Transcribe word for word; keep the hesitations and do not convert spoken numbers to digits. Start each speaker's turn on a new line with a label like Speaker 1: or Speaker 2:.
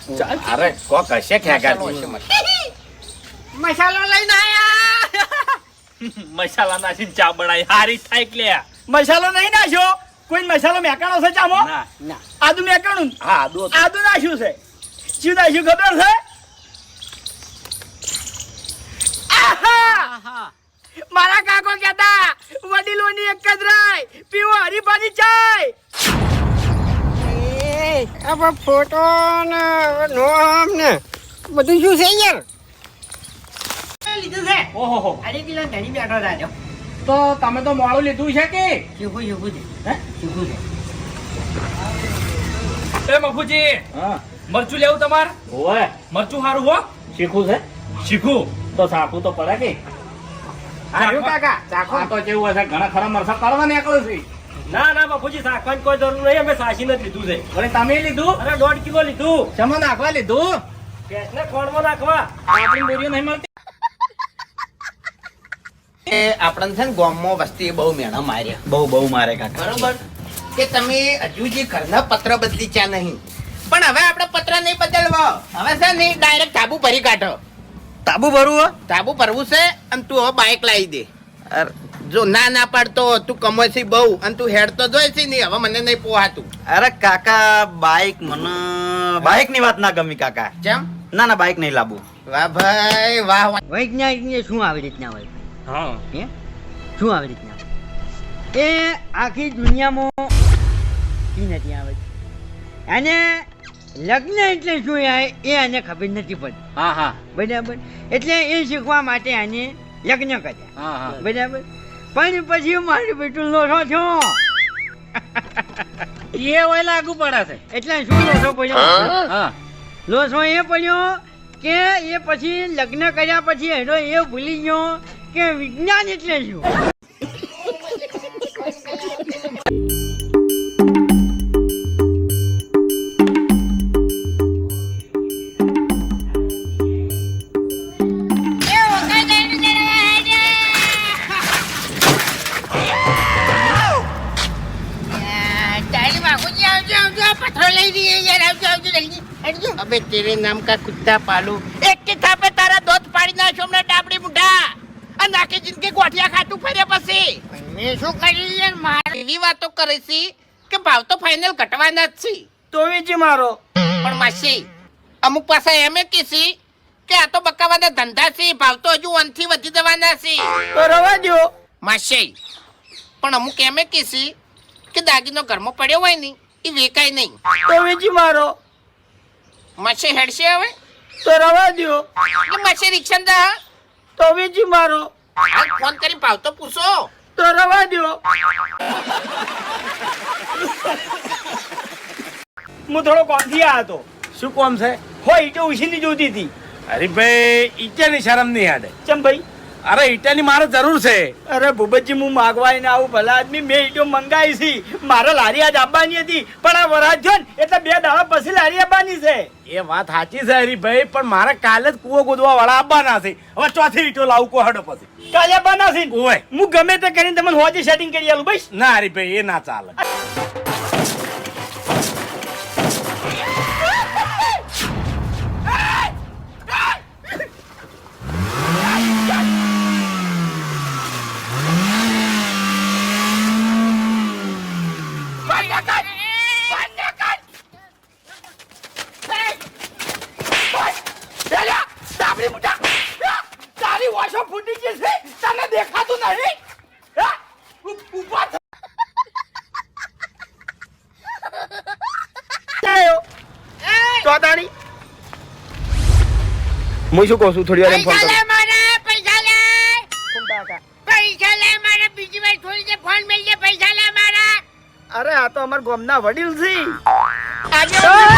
Speaker 1: અરે કો કશે ખેગારજી
Speaker 2: મસાલો લઈને આયા
Speaker 3: મસાલા નાખીને ચા બનાવી હારી થાય એટલે
Speaker 4: મસાલો નહીં નાખ્યો કોઈ મસાલો મેકાણો છે ચામો
Speaker 3: ના
Speaker 2: ના
Speaker 4: આદુ મેકાણું
Speaker 1: હા આદુ
Speaker 4: આદુ નાખ્યું છે શું નાખ્યું ખબર છે આહા!
Speaker 2: આહા
Speaker 4: મારા કાકો કહેતા વડીલોની એક જ રાય પીવો હરીફાની ચાય
Speaker 2: એ આ ફોટો ને નોમ ને બધું શું છે યાર લીધું છે
Speaker 3: ઓહો હો
Speaker 2: અરે કિલો ધણી બેઠો રાજો
Speaker 3: તો તમે તો મોડું લીધું છે કે
Speaker 2: શીખું શીખું છે
Speaker 3: હે
Speaker 2: શીખું છે
Speaker 3: એ મફુજી
Speaker 1: હા
Speaker 3: મરચું લેવું તમાર
Speaker 1: ઓય
Speaker 3: મરચું સારું હો
Speaker 1: શીખું છે
Speaker 3: શીખું
Speaker 1: તો સાકું તો પડે કે
Speaker 4: આર્યું કાકા ચાખો
Speaker 1: આ તો કેવું હશે ઘણા ખરા મરસા કરવા નીકળ્યું છે
Speaker 3: ના ના બાપુજી શાકવાની કોઈ જરૂર નહીં અમે સાસી નથી લીધું છે
Speaker 1: અરે તમે લીધું
Speaker 3: અરે દોઢ કિલો લીધું
Speaker 1: શેમાં નાખવા લીધું
Speaker 3: ભેંસને ખોળમાં નાખવા
Speaker 1: આપણી બોરીઓ નહીં મળતી
Speaker 5: એ આપણને છે ને ગામમાં વસ્તી બહુ મેણા માર્યા
Speaker 1: બહુ બહુ મારે કાકા
Speaker 5: બરોબર કે તમે હજુ જે ઘરના પત્ર બદલી ચા નહીં પણ હવે આપણે પત્ર નહીં બદલવા હવે છે ને ડાયરેક્ટ તાબુ ભરી કાઢો
Speaker 1: તાબુ ભરવું
Speaker 5: તાબુ ભરવું છે અને તું હવે બાઇક લાવી દે અર, જો ના ના પાડતો તું કમો છે બહુ અને તું હેડ તો જોઈ છે નહીં હવે મને નહીં પોહાતું
Speaker 6: અરે કાકા બાઈક મને બાઈક ની વાત ના ગમી કાકા
Speaker 5: કેમ
Speaker 6: ના ના બાઈક નહીં લાવવું
Speaker 5: વાહ ભાઈ વાહ વાહ
Speaker 2: વૈજ્ઞાનિક શું આવી રીતના હોય
Speaker 3: હા
Speaker 2: હે શું આવી રીતના એ આખી દુનિયામાં ઈ નથી આવે અને લગ્ન એટલે શું યાર એ આને ખબર નથી પડતી
Speaker 3: હા હા
Speaker 2: બરાબર એટલે એ શીખવા માટે આને લગ્ન કર્યા
Speaker 3: હા હા
Speaker 2: બરાબર પણ પછી મારું બેટું લોસો છો
Speaker 3: એ હોય લાગુ પડે છે
Speaker 2: એટલે શું લોસો પડ્યો
Speaker 3: હા
Speaker 2: લોસો એ પડ્યો કે એ પછી લગ્ન કર્યા પછી એનો એ ભૂલી ગયો કે વિજ્ઞાન એટલે શું
Speaker 5: અબે તેરે નામ કા કુત્તા પાલુ એક કે થાપે તારા દોત પાડી નાખ્યો હમણાં ડાબડી મુઢા અને આખી જિંદગી ગોઠિયા ખાતું ફર્યા પછી
Speaker 2: મેં શું કર્યું યાર મારે
Speaker 5: એવી વાતો કરે છે કે ભાવ તો ફાઇનલ ઘટવાના જ છે
Speaker 4: તો વેચી મારો
Speaker 5: પણ માસી અમુક પાસે એમ કીસી કે આ તો બકાવાના ધંધા છે ભાવ તો હજુ વનથી વધી જવાના છે
Speaker 4: તો રવા દો
Speaker 5: માસી પણ અમુક એમ કીસી કે દાગીનો ઘરમાં પડ્યો હોય ને એ વેકાય નહીં
Speaker 4: તો વેચી મારો
Speaker 5: માસી હેડશે હવે
Speaker 4: તો રવા દો
Speaker 5: કે માસી રિક્ષા દા
Speaker 4: તો વેચી મારો
Speaker 5: હાલ ફોન કરી ભાવ તો પૂછો
Speaker 4: તો રવા દો હું થોડો કોમથી આ હતો
Speaker 1: શું કોમ છે
Speaker 4: હોય ઈટો ઉછીની જોતી હતી
Speaker 1: અરે ભાઈ ઈટાની શરમ નહીં આડે
Speaker 4: ચમ ભાઈ
Speaker 1: અરે ઈટાની મારે જરૂર છે
Speaker 4: અરે ભૂપતજી હું માગવાય ને આવું ભલા આદમી મેં ઈટો મંગાવી છે મારે લારી આજ આપવાની હતી પણ આ વરાજ થયો ને એટલે બે દાડા પછી લારી આપવાની છે
Speaker 1: એ વાત સાચી છે હરીભાઈ પણ મારે કાલે જ કૂવો ગોદવા વાળા આવવાના છે હવે ચોથી ઈટો લાવું કો હડો પછી
Speaker 4: કાલે આપવાના છે
Speaker 1: ઓય
Speaker 4: હું ગમે તે કરીને તમને હોજી સેટિંગ કરી આલું ભાઈ
Speaker 1: ના હરીભાઈ એ ના ચાલે
Speaker 4: તારી વાશો ફૂટી ગઈ છે તને દેખાતું નહીં હા? ઉ- ઊભા થ- આયો. ચોદાણી. હું શું કહું છું થોડી વાર એમ ફોન
Speaker 2: પૈસા
Speaker 4: કરું
Speaker 2: લે મારા પૈસા લે
Speaker 4: કોણ કાકા?
Speaker 2: પૈસા લે મારા બીજી વાર થોડી દે ફોન મેલ દે પૈસા લે મારા
Speaker 4: અરે આ તો અમાર ગામના વડીલ છે
Speaker 2: આજે